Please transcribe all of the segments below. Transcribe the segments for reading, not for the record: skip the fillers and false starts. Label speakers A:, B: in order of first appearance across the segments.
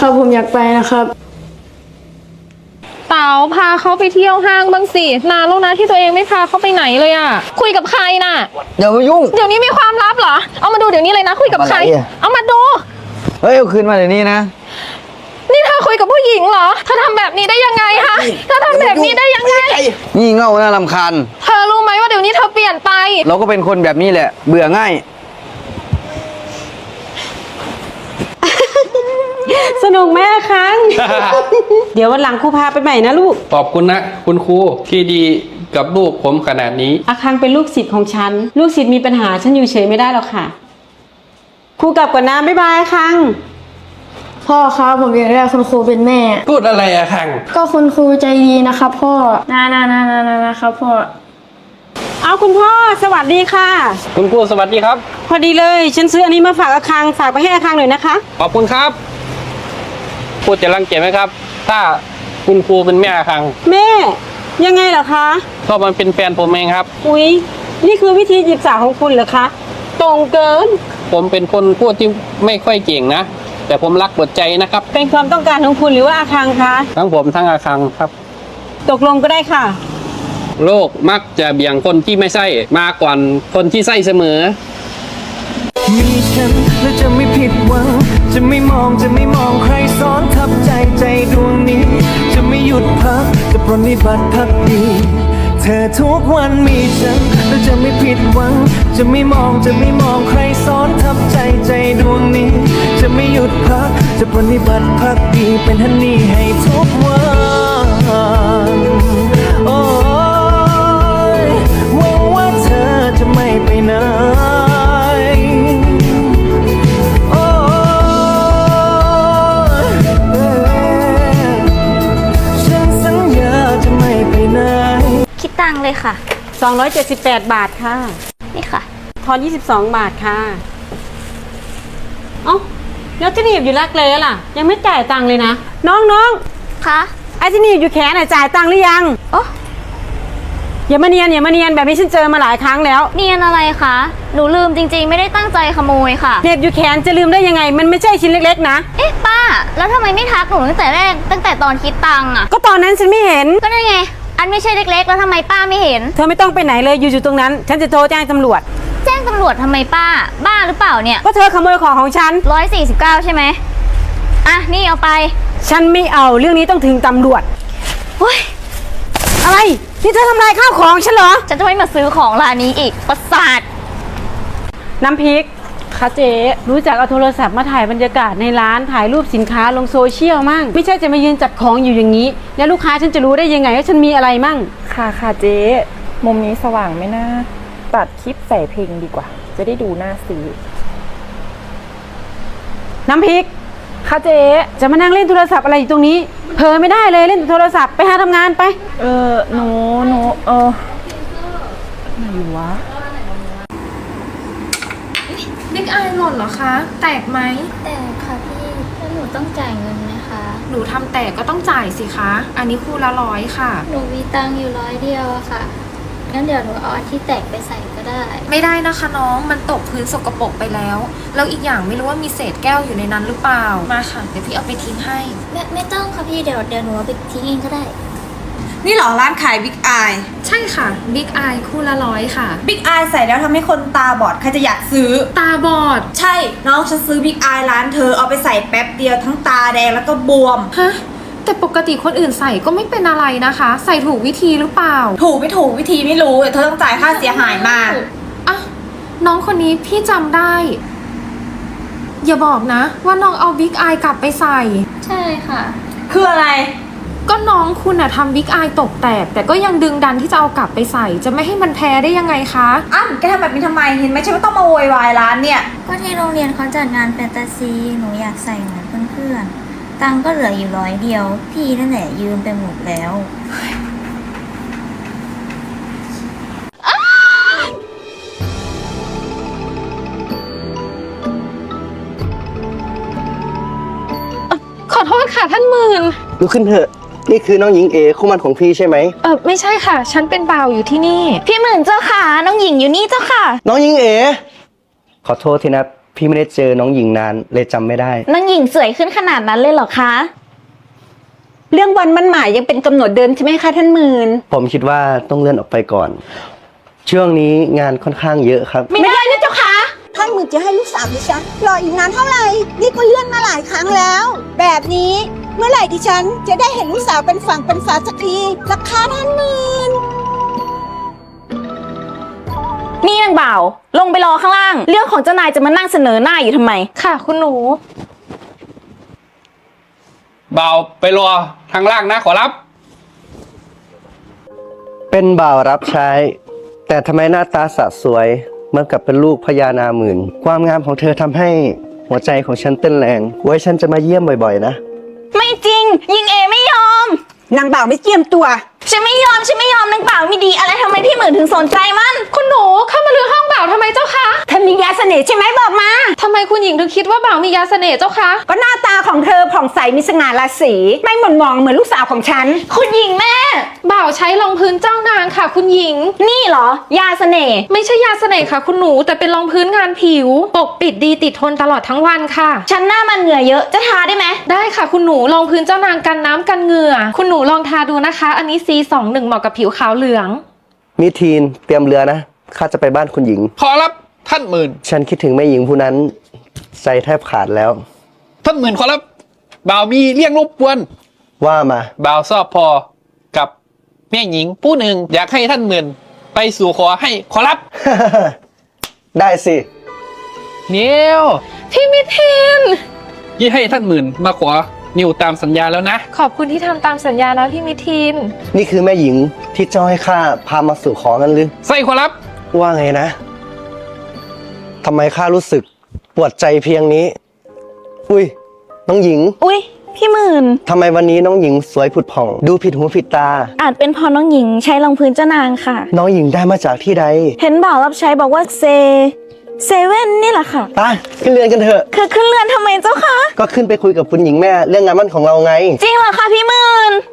A: ครับผมอยากไปนะครับ
B: เต๋าพาเขาไปเที่ยวห้างบ้างสินานแล้วนะที่ตัวเองไม่พาเขาไปไหนเลยอะคุยกับใครน่ะ
C: อย่ามายุ่ง
B: เดี๋ยวนี้มีความลับเหรอเอามาดูเดี๋ยวนี้เลยนะคุยกับใครเอามาดู
C: เฮ้ยเอาคืนมาเดี๋ยวนี้นะ
B: นี่เธอคุยกับผู้หญิงเหรอเธอทำแบบนี้ได้ยังไงคะเธอทำแบบนี้ได้ยังไง
C: งี่เง่าน่ารำคาญ
B: เธอรู้ไหมว่าเดี๋ยวนี้เธอเปลี่ยนไป
C: เราก็เป็นคนแบบนี้แหละเบื่อง่าย
D: สนุกไหมอาคัง เดี๋ยววันหลังครูพาไปใหม่นะลูก
E: ขอบคุณนะคุณครูที่ดีกับลูกผมขนาดนี้
D: อาคังเป็นลูกศิษย์ของฉันลูกศิษย์มีปัญหาฉันอยู่เฉยไม่ได้หรอกค่ะครูกลับก่อนนะบ๊ายบายอาคัง
A: พ่อครับผมอยากได้คุณครูเป็นแม่
E: พูดอะไรอะคัง
A: ก็คุณครูใจดีนะครับพ่อนะครับพ่อ
D: เอาคุณพ่อสวัสดีค่ะ
E: คุณครูสวัสดีครับ
D: พอดีเลยฉันซื้ออันนี้มาฝากอาคังฝากไปให้อาคังหน่อยนะคะ
E: ขอบคุณครับพูดจะรังเกียจไหมครับถ้าคุณครูเป็นแม่คัง
D: แม่ยังไงเหรอคะ
E: ก็มันเป็นแฟนผมเองครับ
D: อุ๊ยนี่คือวิธีจีบสาวของคุณเหรอคะตรงเกิน
E: ผมเป็นคนพูดที่ไม่ค่อยเก่งนะแต่ผมรักหมดใจนะครับ
D: เป็นความต้องการของคุณหรือว่าอาคังคะ
E: ทั้งผมทั้งอาคังครับ
D: ตกลงก็ได้ค่ะ
E: โลกมักจะเบี่ยงคนที่ไม่ใช่มาก่อนคนที่ใช่เสมอ
F: มีฉันและจะไม่ผิดหวังจะไม่มองใครซ้อนทับใจดวงนี้จะไม่หยุดพักจะปรนนิบัติพักดีเธอทุกวันมีฉันและจะไม่ผิดหวังจะไม่มองใครซ้อนทับใจดวงนี้จะไม่หยุดพักจะปรนนิบัติพักดีเป็นฮันนี่ให้ทุกวันโอ้ยหวังว่าเธอจะไม่ไปไหน
G: คิดตังเลยค่ะ
D: 278 บาทค่ะ
G: นี่ค่ะ
D: ทอน22 บาทค่ะเอ้าแล้วที่หนีบอยู่รักเลยล่ะยังไม่จ่ายตังเลยนะน้อง
G: คะ
D: ไอ้ที่หนีบอยู่แขนจ่ายตังหรือยัง
G: โอ้
D: อย่ามาเนียนแบบนี้ฉันเจอมาหลายครั้งแล้ว
G: เนียนอะไรคะหนูลืมจริงๆไม่ได้ตั้งใจขโมยค่ะ
D: เหน็บอยู่แขนจะลืมได้ยังไงมันไม่ใช่ชิ้นเล็กๆนะ
G: เอ๊ะป้าแล้วทำไมไม่ทักหนูตั้งแต่แรกตั้งแต่ตอนคิดตังค์อ่ะ
D: ก็ตอนนั้นฉันไม่เห็น
G: ก็นั่นไงอันไม่ใช่เล็กๆแล้วทำไมป้าไม่เห็น
D: เธอไม่ต้องไปไหนเลยอยู่ตรงนั้นฉันจะโทรแจ้งตำรวจ
G: แจ้งตำรวจทำไมป้าบ้าหรือเปล่าเนี่ย
D: ก็เธอขโมยของฉัน
G: 149ใช่ไหมอ่ะนี่เอาไป
D: ฉันไม่เอาเรื่องนี้ต้องถึงตำรวจ
G: เฮ้ย
D: อะไรนี่เธอทำลายข้าวของฉันเหรอ
G: ฉันจะไม่มาซื้อของร้านนี้อีกประสาท
D: น้ำพริกค่ะเจ๊รู้จักเอาโทรศัพท์มาถ่ายบรรยากาศในร้านถ่ายรูปสินค้าลงโซเชียลมั่งไม่ใช่จะมายืนจัดของอยู่อย่างนี้แล้วลูกค้าฉันจะรู้ได้ยังไงว่าฉันมีอะไรมั่ง
H: ค่ะเจ๊มุมนี้สว่างไหมนะตัดคลิปใส่เพลงดีกว่าจะได้ดูน่าซื้อ
D: น้ำพริก
H: ค่ะเจ๊
D: จะมานั่งเล่นโทรศัพท์อะไรอยู่ตรงนี้เผลอไม่ได้เลยเล่นโทรศัพท์ไปหาทำงานไป
H: หนูไหนวะ
B: บิ๊กอายหล่นเหรอคะแตกไหม
G: แตกค่ะพี่แล้วหนูต้องจ่ายเงินไหมคะ
B: หนูทำแตกก็ต้องจ่ายสิคะอันนี้คู่ละ100ค่ะ
G: หนูมีตังค์อยู่100 เดียวอะค่ะงั้นเดี๋ยวหนูเอาอันที่แตกไปใส่ก็ได้
B: ไม่ได้นะคะน้องมันตกพื้นสกปรกไปแล้วแล้วอีกอย่างไม่รู้ว่ามีเศษแก้วอยู่ในนั้นหรือเปล่ามาค่ะเดี๋ยวพี่เอาไปทิ้งให้
G: ไม่ต้องค่ะพี่เดี๋ยวหนูเอาไปทิ้งเองก็ได้
I: นี่เหรอร้านขายบิ๊กอาย
B: ใช่ค่ะบิ๊กอายคู่ละ100ค่ะ
I: บิ๊กอายใส่แล้วทำให้คนตาบอดใครจะอยากซื้อ
B: ตาบอด
I: ใช่น้องฉันซื้อบิ๊กอายร้านเธอเอาไปใส่แป๊บเดียวทั้งตาแดงแล้วก็บวม
B: ฮะแต่ปกติคนอื่นใส่ก็ไม่เป็นอะไรนะคะใส่ถูกวิธีหรือเปล่า
I: ถูกไม่ถูกวิธีไม่รู้เธอต้องจ่ายค่าเสียหายมา
B: อ่ะน้องคนนี้พี่จำได้อย่าบอกนะว่าน้องเอาบิ๊กอายกลับไปใส่
G: ใช่ค่ะ
I: คืออะไร
B: ก็น้องคุณอะทำบิ๊กอายตกแตกแต่ก็ยังดึงดันที่จะเอากลับไปใส่จะไม่ให้มันแพ้ได้ยังไงคะ
I: แกทำแบบนี้ทำไมเห็นไหมใช่ว่าต้องมาโวยวายร้านเนี่ย
G: ก็ที่โรงเรียนเขาจัดงานแฟนตาซีหนูอยากใส่เหมือนเพื่อนๆตังก็เหลืออยู่100 เดียวพี่นั่นแหละยืมไปหมดแล้ว
B: ขอโทษค่ะท่านหมื่น
C: ลุกขึ้นเถอะนี่คือน้องหญิงเอคู่มั่นของพี่ใช่ไหม
B: ไม่ใช่ค่ะฉันเป็นบ่าวอยู่ที่นี่
G: พี่หมื่นเจ้าค่ะน้องหญิงอยู่นี่เจ้าค่ะ
C: น้องหญิงเอขอโทษทีนะพี่ไม่ได้เจอน้องหญิงนานเลยจำไม่ได้
G: นางหญิงสวยขึ้นขนาดนั้นเลยเหรอคะ
D: เรื่องวันมั่นหมายยังเป็นกำหนดเดิมใช่ไหมคะท่านหมื่น
C: ผมคิดว่าต้องเลื่อนออกไปก่อน ช่วงนี้งานค่อนข้างเยอะครับ
D: ไม่ได้นะเจ้าค่ะ
J: ท่านหมื่นจะให้ลูกสาวดิฉันรออีกนานเท่าไหร่ นี่ก็เลื่อนมาหลายครั้งแล้ว แบบนี้เมื่อไหร่ดิฉันจะได้เห็นลูกสาวเป็นฝั่งเป็นฝาสักทีราคาท่านหมื่น
G: นี่นางบ่าว ลงไปรอข้างล่าง เรื่องของเจ้านายจะมานั่งเสนอหน้าอยู่ทำไม
B: ค่ะคุณหนู
E: บ่าวไปรอทางล่างนะขอรับ
C: เป็นบ่าวรับใช้ แต่ทำไมหน้าตาสะสวยเหมื่อนกับเป็นลูกพญานาหมื่น ความงามของเธอทำให้หัวใจของฉันเต้นแรง ไว้ฉันจะมาเยี่ยมบ่อยๆนะ
G: ไม่จริง ยิงเอไม่ยอม
J: นางบ่าวไม่เจียมตัว
G: ฉันไม่ยอมนางบ่าวไม่ดีอะไรทำไมพี่หมื่นถึงสนใจมัน
B: คุณหนูเข้ามาลือห้องบ่าวทำไมเจ้าคะ
J: เธอมียาเสน่ห์ใช่ไหมบอกมา
B: ทำไมคุณหญิงถึงคิดว่าบ่าวมียาเสน่ห์เจ้าคะ
J: ก็หน้าตาของเธอผ่องใสมีสง่าราศีไม่หม่นหมองเหมือนลูกสาวของฉัน
G: คุณหญิงแม่
B: บ่าวใช้รองพื้นเจ้านางค่ะ คุณหญิง
G: นี่เหรอ ยาเสน่ห์
B: ไม่ใช่ยาเสน่ห์ค่ะ คุณหนูแต่เป็นรองพื้นงานผิว ปกปิดดีติดทนตลอดทั้งวันค่ะ
G: ฉันหน้ามันเหงื่อเยอะจะทาได้ไหม
B: ได้ค่ะคุณหนูรองพื้นเจ้านางกันน้ำกันเหงื่อ คุณหนูลองทาดูนะคะ อันนี้ C21 เหมาะกับผิวขาวเหลือง
C: มิทีนเตรียมเรือนะข้าจะไปบ้านคุณหญิง
E: ขอรับท่านหมื่น
C: ฉันคิดถึงแม่หญิงผู้นั้นใจแทบขาดแล้ว
E: ท่านหมื่นขอรับบ่าวมีเรื่องรบกวน
C: ว่ามา
E: บ่าวชอบพอกับแม่หญิงผู้หนึ่งอยากให้ท่านหมื่นไปสู่ขอให้ขอรับ
C: ได้สิ
E: เนียว
B: พี่มิทิน
E: ยี่ให้ท่านหมื่นมาขอนิวตามสัญญาแล้วนะ
B: ขอบคุณที่ทำตามสัญญานะพี่มิทิน
C: นี่คือแม่หญิงที่เจ้าให้ข้าพามาสู่ขอนั้นหรือ
E: ใส่ขอรับ
C: ว่าไงนะทำไมข้ารู้สึกปวดใจเพียงนี้ อุ้ยน้องหญิง
G: อุ๊ย พี่หมื่น
C: ทำไมวันนี้น้องหญิงสวยผุดผ่อง ดูผิดหูผิดตา
G: อาจเป็นเพอน้องหญิงใช้รองพื้นเจ้านางค่ะ
C: น้องหญิงได้มาจากที่ใด
G: เห็นบ่าวรับใช้บอกว่าเซเว่นนี่แหละค่ะ
C: ไปขึ้นเรือนกันเถอะ
G: คือขึ้นเรือนทำไมเจ้าคะ
C: ก็ขึ้นไปคุยกับคุณหญิงแม่เรื่องงานมั่นของเราไง
G: จริงเหรอคะพี่หมื่น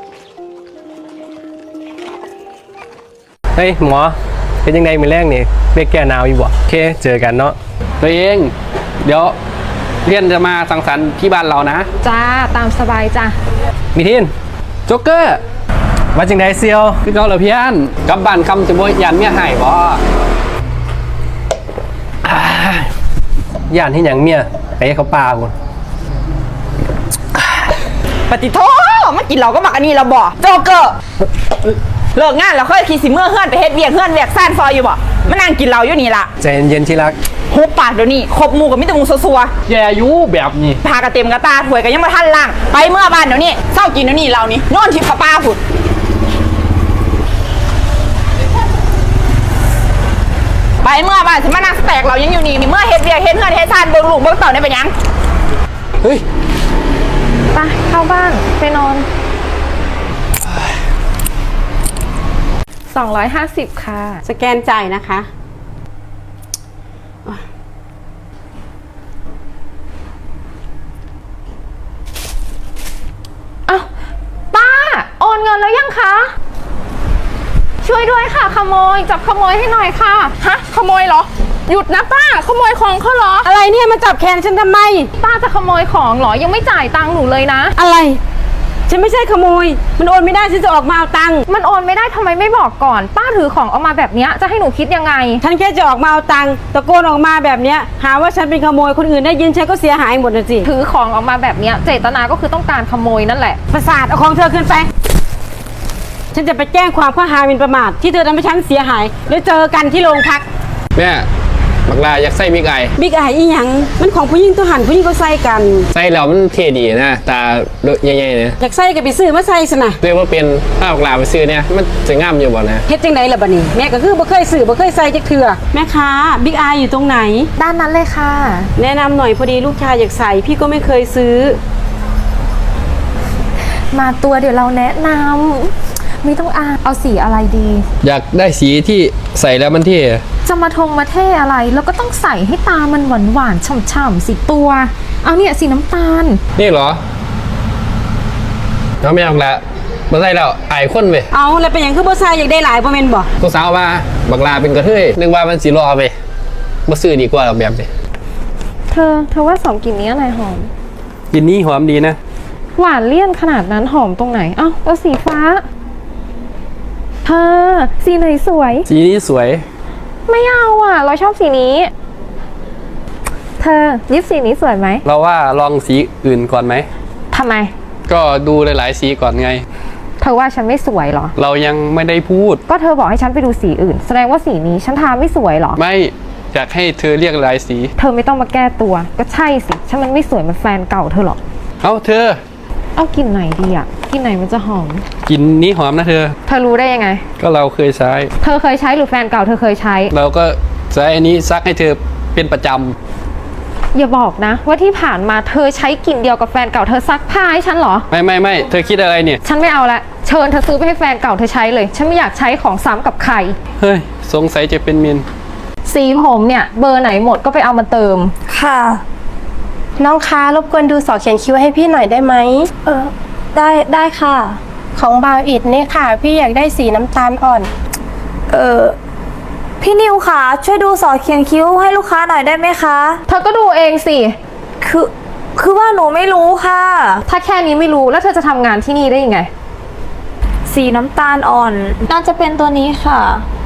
K: เฮ้ยหมอเป็นยังไงมือแรกนี่เรียกแก้หนาวอยู่บ่โอเคเจอกันเนาะ
E: ตัวเองเดี๋ยวเรียนจะมาสังสรรค์ที่บ้านเรานะ
B: จ้าตามสบายจ้า
K: มีทิน
E: โจ๊กเกอร์
K: ว่าจังไดเซียว
E: คือเขาเหรอพี่อันกลับบ้านคำจะบ่ยันเมียหายบ่
K: ย่านที่หยังเมียไปให้เขาปาคุณ
I: ปฏิโทมากินเราก็มักอันนี้เราบ่โจเกอร์เลิกงานแล้วค่อยขี่สิเมื่อเฮือนไปเฮ็ดเวียกซ่านซอยอยู่บ่มานั่งกินเราอยู่นี่ล่ะ
K: ใจเย็นๆที่รัก
I: หุบปากเดี๋ยวนี้ครบหมู่กับมิตรหมู่ซัว
E: แย่อยู่แบบนี้
I: ๆพากระเต็มกระตาถวยกันยังบ่ทันล่างไปเมื่อบ้านเดี๋ยวนี้เศร้ากินเดี๋ยวนี้เรานี่นอนทิพย์กับป้าผุดไปเมื่อบ้านสิมานั่งแตกเรายังอยู่นี่เมื่อเฮ็ดเวียกเฮ็ดเฮือนเฮ็ดซ่านเบิ่งลูกเบิ่งเต่าได้เป็นหยัง
E: เฮ้ย
B: ไปเข้าบ้านไปนอน 250 ค่ะ
D: สแกนจ่ายนะคะ
B: อ้าวป้าโอนเงินแล้วยังคะ ช่วยด้วยค่ะขโมยจับขโมยให้หน่อยค่ะ
I: ฮะขโมยเหรอหยุดนะป้าขโมยของเขาเหรอ
D: อะไรเนี่ยมาจับแขนฉันทำไม
B: ป้าจะขโมยของเหรอยังไม่จ่ายตังค์หนูเลยนะ
D: อะไร ฉันไม่ใช่ขโมย มันโอนไม่ได้ฉันจะออกมาเอาตังค์
B: มันโอนไม่ได้ทำไมไม่บอกก่อน ป้าถือของออกมาแบบเนี้ยจะให้หนูคิดยังไง
D: ฉันแค่จะออกมาเอาตังค์ตะโกนออกมาแบบเนี้ยหาว่าฉันเป็นขโมยคนอื่นได้ยินฉันก็เสียหายหมดนะสิ
B: ถือของออกมาแบบเนี้ยเจตนาก็คือต้องการขโมยนั่นแหละ
D: ประสาทเอาของเธอขึ้นไป ฉันจะไปแจ้งความข้อหาหมิ่นประมาทที่เธอทำให้ฉันเสียหายแล้วเจอกันที่โรงพัก
E: แม่บักลาอยากใส่บิ๊กไอ
D: บิ๊กไออีหยังมันของผู้หญิงตัวหันผู้หญิงก็ใส่กัน
E: ใส่แล้วมันเท่ดีนะตาใหญ่ๆเนี่ย
D: อยากใส่ก็ไปซื้อมาใส่ซะนะ
E: เรียกว่าเป็นถ้าบักลาไปซื้อเนี่ยมันจะงามอยู่บ่นะ
D: เฮ็ดจังไดล่ะบัดนี้แม่ก็คือบ่เคยซื้อบ่เคยใส่จักเทื่อแม่ค้าบิ๊กไออยู่ตรงไหน
B: ด้านนั้นเลยค่ะ
D: แนะนำหน่อยพอดีลูกชายอยากใส่พี่ก็ไม่เคยซื้อ
B: มาตัวเดี๋ยวเราแนะนำไม่ต้องเอาสีอะไรดี
E: อยากได้สีที่ใส่แล้วมันเท่
B: จะมามาเท่อะไรแล้วก็ต้องใส่ให้ตามันหวานๆฉ่ำๆสีตัว เอาเนี่ยสีน้ำตาล
E: นี่เหรอน้องไม่เอาละมาใส่แล้วอายคนไป
D: เอาแล้วเป็นหยังคือบ่ใส่อยากได้หลายบ่แม่นบ่
E: ตัวสาวมาบักลาเป็นกระเทยนึกว่ามันสีรอไปมาซื้อดีกว่าแบบนี้
B: เธอว่าสองกลิ่นนี้อะไรหอม
K: กลิ่นนี้หอมดีนะ
B: หวานเลี่ยนขนาดนั้นหอมตรงไหนเอ้าแล้วสีฟ้าเธอสีไหนสวย
K: สีนี้สวย
B: ไม่เอาอ่ะ เราชอบสีนี้ เธอยิปสีนี้สวยไหม
K: เราว่าลองสีอื่นก่อนไหม
B: ทำไม
K: ก็ดูหลายๆสีก่อนไง
B: เธอว่าฉันไม่สวยเหรอ
K: เรายังไม่ได้พูด
B: ก็เธอบอกให้ฉันไปดูสีอื่น แสดงว่าสีนี้ฉันทาไม่สวยเหรอ
K: ไม่อยากให้เธอเรียกหลายสี
B: เธอไม่ต้องมาแก้ตัว ก็ใช่สิฉันมันไม่สวยเหมือนแฟนเก่าเธอหรอก
K: เอาเธอ
B: เอากลิ่นไหนดีอ่ะกลิ่นไหนมันจะหอม
K: กลิ่นนี้หอมนะเธอ
B: เธอรู้ได้ยังไง
K: ก็เราเคยใช้
B: เธอเคยใช้หรือแฟนเก่าเธอเคยใช้
K: เราก็ใช้อันนี้ซักให้เธอเป็นประจ
B: อย่าบอกนะ ว่าที่ผ่านมาเธอใช้กลิ่นเดียวกับแฟนเก่าเธอซักผ้าให้ฉันเหรอ
K: ำไม่เธอคิดอะไรเนี่ย
B: ฉันไม่เอาละเชิญเธอซื้อไปให้แฟนเก่าเธอใช้เลย ฉันไม่อยากใช้ของซ้ำกับใคร
K: เฮ้ยสงสัยจะเป็นมิน
B: สีผมเนี่ยเบอร์ไหนหมดก็ไปเอามาเติม
A: ค่ะ น้องคะรบกวนดูสอเขียนคิ้วให้พี่หน่อยได้ไหมได้ค่ะ ของบาวอิดนี่ค่ะ พี่อยากได้สีน้ำตาลอ่อน
G: พี่นิวค่ะช่วยดูสอเขียนคิ้วให้ลูกค้าหน่อยได้ไหมคะ
B: เธอก็ดูเองสิ
G: คือว่าหนูไม่รู้ค่ะ
B: ถ้าแค่นี้ไม่รู้แล้วเธอจะทำงานที่นี่ได้ยังไง
G: สีน้ำตาลอ่อน น่าจะเป็นตัวนี้ค่ะ